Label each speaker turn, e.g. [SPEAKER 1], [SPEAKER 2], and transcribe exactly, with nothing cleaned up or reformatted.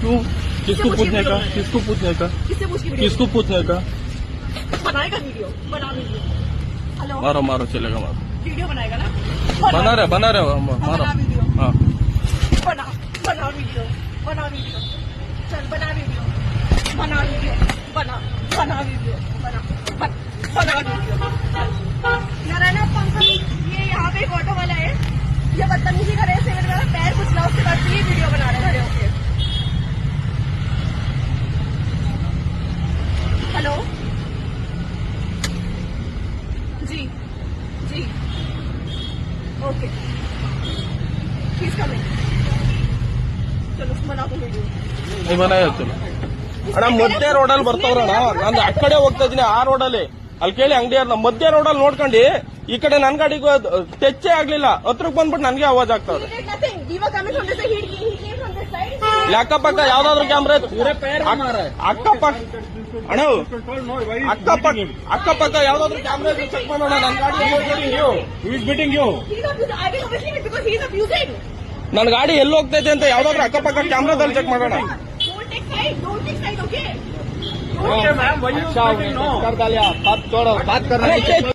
[SPEAKER 1] तू किसको पूछने का किसको पूछने का
[SPEAKER 2] किससे पूछ के
[SPEAKER 1] किसको पूछने का
[SPEAKER 2] बनाएगा वीडियो बना वीडियो हेलो
[SPEAKER 1] मारो मारो चलेगा मारो
[SPEAKER 2] वीडियो बनाएगा ना
[SPEAKER 1] बना रहे बना रहे मारो
[SPEAKER 2] बना वीडियो
[SPEAKER 1] हाँ
[SPEAKER 2] बना बना वीडियो बना वीडियो चल बना वीडियो बना वीडियो बना बना वीडियो बना बना वीडियो नारायण पंकज ये यहाँ पे एक ऑटो वाला है ये बदतमीजी करे से मेरा पैर कुचला उसके बाद ये वीडियो बना रहे खड़े होके हेलो जी जी ओके प्लीज कमिंग चलो बना दो वीडियो
[SPEAKER 1] नहीं बनाया चलो ಅಣ್ಣ ಮಧ್ಯ ರೋಡಲ್ಲಿ ಬರ್ತಾವ್ರಣ್ಣ ನಾನು ಆ ಕಡೆ ಹೋಗ್ತಾ ಇದೀನಿ ಆ ರೋಡಲ್ಲಿ ಅಲ್ಲಿ ಕೇಳಿ ಅಂಗಡಿಯವ್ರನ್ನ ಮಧ್ಯ ರೋಡಲ್ಲಿ ನೋಡ್ಕೊಂಡು ಈ ಕಡೆ ನನ್ ಗಾಡಿಗೂ ಟೆಚ್ಚೇ ಆಗ್ಲಿಲ್ಲ ಹತ್ರಕ್ ಬಂದ್ಬಿಟ್ಟು ನನ್ಗೆ ಆವಾಜ್ ಆಗ್ತಾವ್ರೆ ಅಕ್ಕಪಕ್ಕ ಯಾವ್ದಾದ್ರು ಕ್ಯಾಮ್ರಾ ಅಕ್ಕಪಕ್ಕ ಅಣ್ಣ ಅಕ್ಕಪಕ್ಕ ಅಕ್ಕಪಕ್ಕ ಯಾವ್ದಾದ್ರು ಕ್ಯಾಮ್ರಾ ಚೆಕ್ ಮಾಡೋಣ ನನ್ ಗಾಡಿ ನನ್ ಗಾಡಿ ಎಲ್ಲಿ ಹೋಗ್ತೈತೆ ಅಂತ ಯಾವ್ದಾದ್ರು ಅಕ್ಕಪಕ್ಕ ಕ್ಯಾಮ್ರಾದಲ್ಲಿ ಚೆಕ್ ಮಾಡೋಣ
[SPEAKER 2] Okay, ma'am.
[SPEAKER 1] बात छोड़ो बात करना